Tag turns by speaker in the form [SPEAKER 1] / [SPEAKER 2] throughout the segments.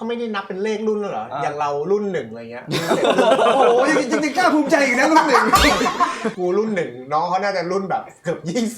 [SPEAKER 1] เขาไม่ได้นับเป็นเลขรุ่นเหรออย่างเรารุ่น1อะไรเงี้ย
[SPEAKER 2] โอ้ยจริงๆกล้าภูมิใจอีกนะรุ่น1
[SPEAKER 1] กูรุ่น1น้องเขาน่าจะรุ่นแบบเกือบ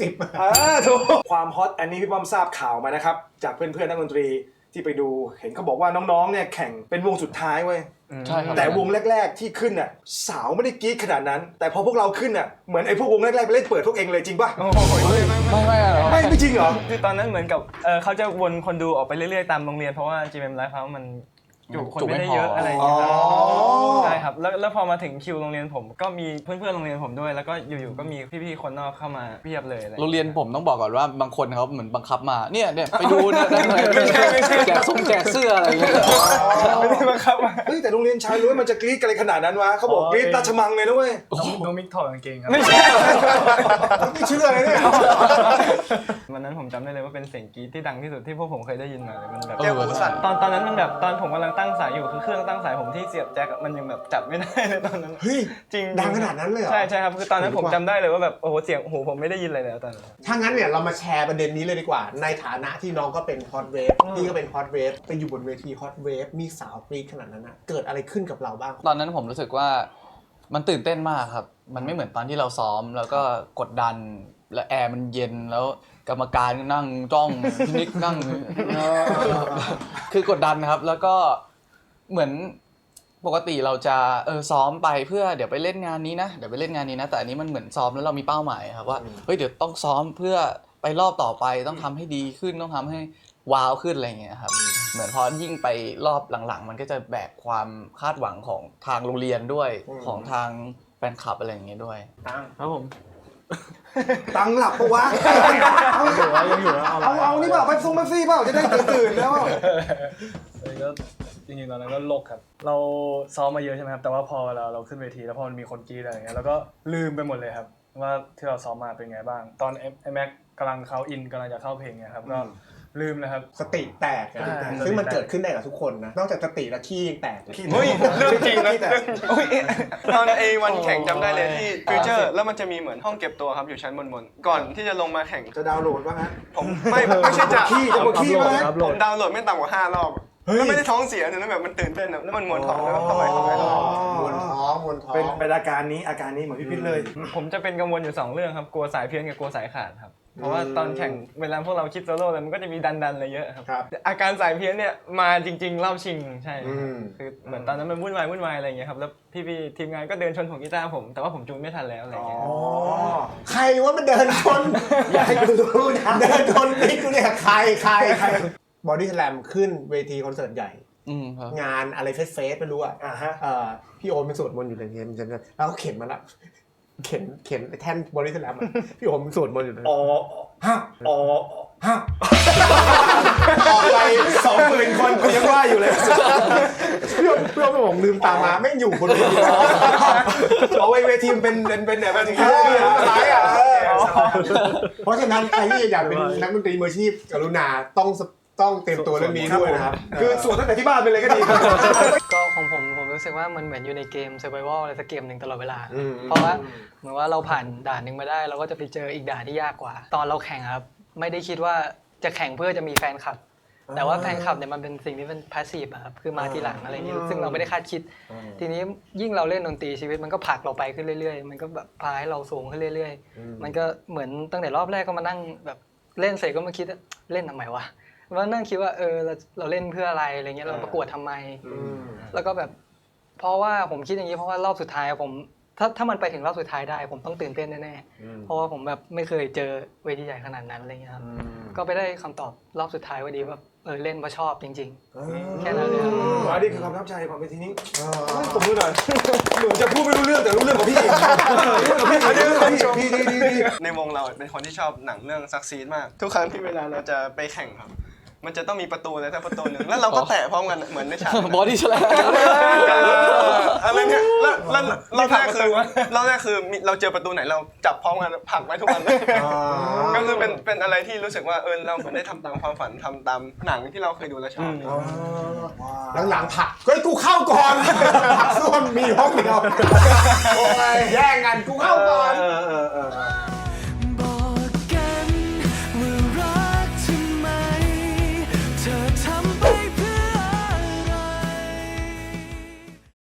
[SPEAKER 1] 20
[SPEAKER 2] ถูกความฮอตอันนี้พี่ป้อมทราบข่าวมานะครับจากเพื่อนๆนักดนตรีที่ไปดูเห็นเขาบอกว่าน้องๆเนี่ยแข่งเป็นวงสุดท้ายเว้ย
[SPEAKER 3] ใช่ครับ
[SPEAKER 2] แต่วงแรกๆที่ขึ้นน่ะสาวไม่ได้กรี๊ดขนาดนั้นแต่พอพวกเราขึ้นน่ะเหมือนไอ้พวกวงแรกๆไปเล่นเปิดพวกเองเลยจริงป่ะไม่จริงเหรอ
[SPEAKER 4] คือตอนนั้นเหมือนกับเขาจะวนคนดูออกไปเรื่อยๆตามโรงเรียนเพราะว่า GMM Live House มันจุคนไม่ได้เยอะอะไรอย่างเงี้ยใช่ครับแล้วพอมาถึงคิวโรงเรียนผมก็มีเพื่อนๆโรงเรียนผมด้วยแล้วก็อยู่ๆก็มีพี่ๆคนนอกเข้ามาเพียบเลย
[SPEAKER 3] โรงเรียนผมต้องบอกก่อนว่าบางคนเขาเหมือนบังคับมาเนี่ยไปดูเนี่ยแจกเสื้ออะไรอย่างเงี้ย
[SPEAKER 2] ไม่ได้บังคับเฮ้ยแต่โรงเรียนชายล้วนมันจะกรี๊ดอะไรขนาดนั้นวะเขาบอกกรี๊ดราชมังเลยนะเว้ย
[SPEAKER 4] น้องมิกถอดกางเกงครับ
[SPEAKER 2] ไม่เชื่อเลยเนี่ย
[SPEAKER 4] วันนั้นผมจำได้เลยว่าเป็นเสียงกรี๊ดที่ดังที่สุดที่พวกผมเคยได้ยินมาเลยมันแบบ
[SPEAKER 3] แก้วหูสั่น
[SPEAKER 4] ตอนนั้นมันแบบตอนผมกำลังตั้งสายอยู่คือเครื่องตั้งสายผมที่เสียบแจ็คมันยังแบบจับไม่ได้เลยตอนนั้น
[SPEAKER 1] เฮ้ย
[SPEAKER 4] จริง
[SPEAKER 1] ดังขนาดนั้นเลยเหรอ
[SPEAKER 4] ใช่ครับคือตอนนั้นผมจำได้เลยว่าแบบโอ้โหเสียงหูผมไม่ได้ยินอะไรแล้วตอนนั้น
[SPEAKER 1] ถ้างั้นเนี่ยเรามาแชร์ประเด็นนี้เลยดีกว่าในฐานะที่น้องก็เป็นฮอตเวฟพี่ก็เป็นฮอตเวฟไปอยู่บนเวทีฮอตเวฟมีสาวกรี๊ดขนาดนั้นนะเกิดอะไรขึ้นกับเราบ้าง
[SPEAKER 3] ตอนนั้นผมรู้สึกว่ามันตื่นเต้นมากครับมันไม่เหมือนตอนที่เราซ้อมแล้วก็กดดันแล้วแอร์มันเย็นแล้วกรรมการนั่งจ้องพี่นิกนั่งคือกดดันครับแล้วก็เหมือนปกติเราจะซ้อมไปเพื่อเดี๋ยวไปเล่นงานนี้นะแต่อันนี้มันเหมือนซ้อมแล้วเรามีเป้าหมายครับว่าเฮ้ยเดี๋ยวต้องซ้อมเพื่อไปรอบต่อไปต้องทำให้ดีขึ้นต้องทำให้ว้าวขึ้นอะไรเงี้ยครับเหมือนพอยิ่งไปรอบหลังๆมันก็จะแบกความคาดหวังของทางโรงเรียนด้วยของทางแฟนคลับอะไรอย่างเงี้ยด้วย
[SPEAKER 4] ครับผม
[SPEAKER 2] ตังหลับปะวะ
[SPEAKER 4] ยังอยู่
[SPEAKER 2] เอานี่เปล่าไปส่งมาซี่เปล่าจะได้ตื่นแล้ว
[SPEAKER 4] ก็จริงๆตอนนั้นก็โลกครับเราซ้อมมาเยอะใช่ไหมครับแต่ว่าพอเวลาเราขึ้นเวทีแล้วพอมันมีคนกรี๊ดอะไรอย่างเงี้ยแล้วก็ลืมไปหมดเลยครับว่าที่เราซ้อมมาเป็นไงบ้างตอนไอแม็กกำลังเข้าอินกำลังจะเข้าเพลงเนี่ยครับก็ลืมเลยครับ
[SPEAKER 1] สติแตกซึ่งมันเกิดขึ้นได้กับทุกคนนะนอกจากสติแล้วขี้ยังแตก
[SPEAKER 4] เฮ้ยเรื่องจริงนะตอนวันแข่งจำได้เลยที่ฟิวเจอร์แล้วมันจะมีเหมือนห้องเก็บตัวครับอยู่ชั้นบนก่อนที่จะลงมาแข่ง
[SPEAKER 2] จะดาวน์โหลดว่าฮะ
[SPEAKER 4] ผมไม่ใช่จะ
[SPEAKER 2] ขี้
[SPEAKER 4] ผมดาวน์โหลดไม่ต่ำกว่า5 รอบแล้วไม่ได้ท้องเสียแต่แบบมันตื่นเต้นแล้วมันมวนท้องแล้วทำไม
[SPEAKER 1] มวนท้อง
[SPEAKER 2] เป็นอาการนี้เหมือนพี่พิษเลย
[SPEAKER 4] ผมจะเป็นกังวลอยู่2 เรื่องครับกลัวสายเพี้ยนกับกลัวสายขาดครับเพราะว่าตอนแข่งเวลาพวกเราคิดโซโล่เลยมันก็จะมีดันอะไรเยอะครับอาการสายเพี้ยนเนี่ยมาจริงๆรอบชิงใช่คือเหมือนตอนนั้นมันวุ่นวายอะไรอย่างเงี้ยครับแล้วพี่ทีมงานก็เดินชนของกีตาร์ผมแต่ว่าผมจูนไม่ทันแล้วอะไรอย่างเงี้ย
[SPEAKER 1] ใครว่ามันเดินชนอยากให้กูรู้นะเดินชนนี่กูเนี่ยใครบอดี้สแลมขึ้นเวทีคอนเสิร์ตใหญ่งานอะไรเฟสไม่รู้อ่ะพี่โอมเป็นสวดมนต์อยู่ในเกมแล้วเขาเข็นมาละเข็นแท่นบอดี้สแลมพี่โอมสวดมนต์อยู่เลยฮะออกไป
[SPEAKER 2] 20,000 คนกูยังว่าอยู่เลย
[SPEAKER 1] พี่โอมผมลืมตามาไม่อยู่บนเวที
[SPEAKER 2] เอาเวทีเป็นแบบนี้อะไรอ่ะ
[SPEAKER 1] เพราะฉะนั้นใครที่อยากเป็นนักดนตรีมืออาชีพกรุณาต้องเตรียมตัวเรื่องนี้ด้วยนะครับ
[SPEAKER 2] คือสวดตั้งแต่ที่บ้านไปเลยก็ดี
[SPEAKER 5] ก็ของผมรู้สึกว่ามันเหมือนอยู่ในเกม Survival อะไรสักเกมหนึ่งตลอดเวลาเพราะว่าเหมือนว่าเราผ่านด่านหนึ่งมาได้เราก็จะไปเจออีกด่านที่ยากกว่าตอนเราแข่งครับไม่ได้คิดว่าจะแข่งเพื่อจะมีแฟนคลับแต่ว่าแฟนคลับเนี่ยมันเป็นสิ่งที่เป็นพาสซีฟครับคือมาทีหลังอะไรอย่างนี้ซึ่งเราไม่ได้คาดคิดทีนี้ยิ่งเราเล่นดนตรีชีวิตมันก็ผลักเราไปขึ้นเรื่อยๆมันก็แบบพาให้เราสูงขึ้นเรื่อยๆมันก็เหมือนตั้งแต่รอบแรกก็มานั่งแบบเล่นเสร็จก็มาคิดเล่นทำไมวะว่านั่งคิดว่าเราเล่นเพื่ออะไรอะไรเงี้ยเราประกวดทำไมแล้วก็แบบเพราะว่าผมคิดอย่างนี้เพราะว่ารอบสุดท้ายผมถ้ามันไปถึงรอบสุดท้ายได้ผมต้องตื่นเต้นแน่ๆเพราะว่าผมแบบไม่เคยเจอเวทีใหญ่ขนาดนั้นอะไรเงี้ยครับก็ไปได้คำตอบรอบสุดท้ายว่าดีว่าเล่นเพราะชอบจริงๆแค่นั้นเลย
[SPEAKER 2] อันนี้คือความทับใจของเวทีนี้ผมดูหน่อยเหมือนจะพูดไม่รู้เรื่องแต่รู้เรื่องของพี่
[SPEAKER 4] ในวงเราเป็นคนที่ชอบหนังเรื่องซักซีดมากทุกครั้งที่เวลาเราจะไปแข่งครับมันจะต้องมีประตูอะไรสักประตูหนึ่งแล้วเราก็แตะพร้อมกันเหมือนในฉาก
[SPEAKER 3] บอดี้สแลม
[SPEAKER 4] อะไรเนี่ยแล้วรอบแรกคือเราเจอประตูไหนเราจับพร้อมกันผลักไว้ทุกวันก็คือเป็นอะไรที่รู้สึกว่าเราเหมือนได้ทำตามความฝันทำตามหนังที่เราเคยดูแล้วชอบ
[SPEAKER 1] หลังๆผักเฮ้ยกูเข้าก่อนผักส้วมมีห้องเดียวโอ้ยแย่งกันกูเข้าก่อน